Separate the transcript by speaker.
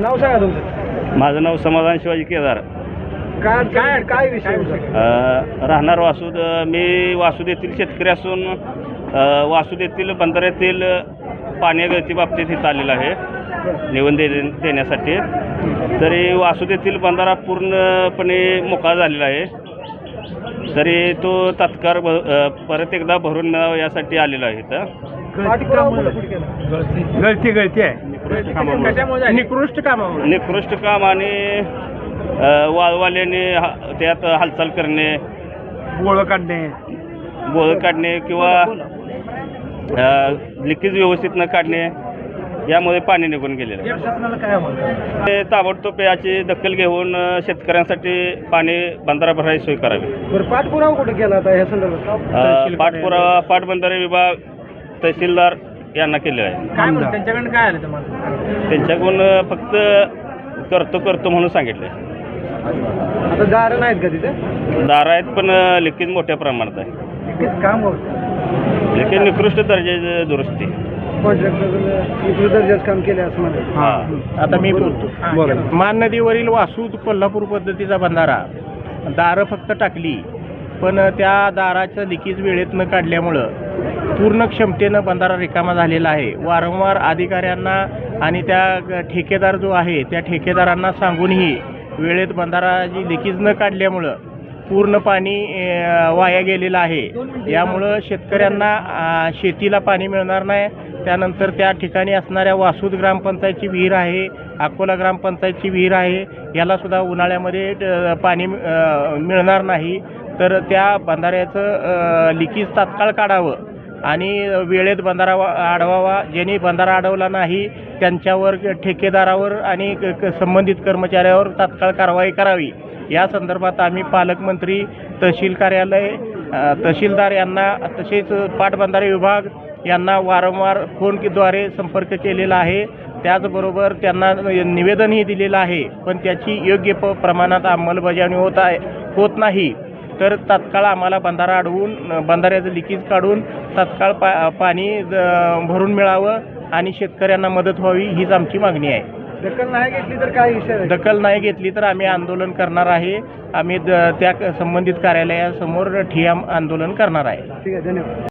Speaker 1: नाव सांगा तुमचं.
Speaker 2: माझं नाव समाधान शिवाजी केदार.
Speaker 1: काय काय काय विषय होता?
Speaker 2: राहणार वासूद. मी वासूद येथील शेतकरी असून वासूद येथील बंधाऱ्यातील पाणी गळती बाबतीत इथं आलेलं आहे निवेदन देण्यासाठी. तरी वासूद येथील बंधारा पूर्णपणे मोकळा झालेला आहे. तरी तो तात्काळ परत एकदा भरून मिळावा यासाठी आलेला आहे इथं.
Speaker 1: गळती आहे निकृष्ट कामामुळे.
Speaker 2: निकृष्ट काम आणि वाळवाल्याने त्यात हालचाल करणे, बोळं काढणे किंवा लिकेज व्यवस्थित न काढणे यामुळे पाणी निघून गेलेलं आहे. ते ताबडतोब याची दखल घेऊन शेतकऱ्यांसाठी पाणी बंधारा भरायची सोय करावी.
Speaker 1: पाठपुरावा कुठे केला आता ह्या संदर्भात?
Speaker 2: पाठपुरावा पाटबंधारे विभाग तहसीलदार यांना केले आहे.
Speaker 1: त्यांच्याकडून काय आलं तुम्हाला?
Speaker 2: त्यांच्याकडून फक्त करतो म्हणून सांगितलं.
Speaker 1: आता दार नाहीत का तिथे?
Speaker 2: दार आहेत पण लिकेज मोठ्या प्रमाणात आहे.
Speaker 1: काम होतं
Speaker 2: लिकेज निकृष्ट दर्जाची दुरुस्ती.
Speaker 1: कॉन्ट्रॅक्टर दर्जाचं काम केलं असं म्हणा.
Speaker 2: हां,
Speaker 3: आता मी बोलतो. मान नदीवरील वासूद कोल्हापूर पद्धतीचा बंधारा दारं फक्त टाकली, पण त्या दाराचं लिकेज वेळेत न काढल्यामुळं पूर्ण क्षमतेनं बंधारा रिकामा झालेला आहे. वारंवार अधिकाऱ्यांना आणि त्या ठेकेदार जो आहे त्या ठेकेदारांना सांगूनही वेळेत बंधाराची लिकेज न काढल्यामुळं पूर्ण पाणी वाया गेलेलं आहे. यामुळं शेतकऱ्यांना शेतीला पाणी मिळणार नाही. त्यानंतर त्या ठिकाणी असणाऱ्या वासूद ग्रामपंचायतची विहीर आहे, अकोला ग्रामपंचायतची विहीर आहे, यालासुद्धा उन्हाळ्यामध्ये पाणी मिळणार नाही. तर त्या बंधाऱ्याचं लिकेज तात्काळ काढावं आणि वेळेत बंधारा अडवावा. ज्यांनी बंधारा अडवला नाही त्यांच्यावर ठेकेदारावर आणि संबंधित कर्मचाऱ्यावर तात्काळ कारवाई करावी. या संदर्भात आम्ही पालकमंत्री, तहसील कार्यालय, तहसीलदार यांना तसेच पाटबंधारे विभाग यांना वारंवार फोनद्वारे संपर्क केलेला आहे. त्याचबरोबर त्यांना निवेदनही दिलेलं आहे, पण त्याची योग्य प्रमाणात अंमलबजावणी होत नाही. तर तात्काळ आम्हाला बंधारा अडवून बंधाऱ्याचं लिकेज काढून तात्काळ पाणी भरून मिळावं आणि शेतकऱ्यांना मदत व्हावी हीच आमची मागणी आहे.
Speaker 1: दखल नाही घेतली तर काय विषय?
Speaker 3: दखल नाही घेतली तर आम्ही आंदोलन करणार आहे. आम्ही त्या संबंधित कार्यालयासमोर ठिय्या आंदोलन करणार आहे.
Speaker 1: ठीक आहे, धन्यवाद.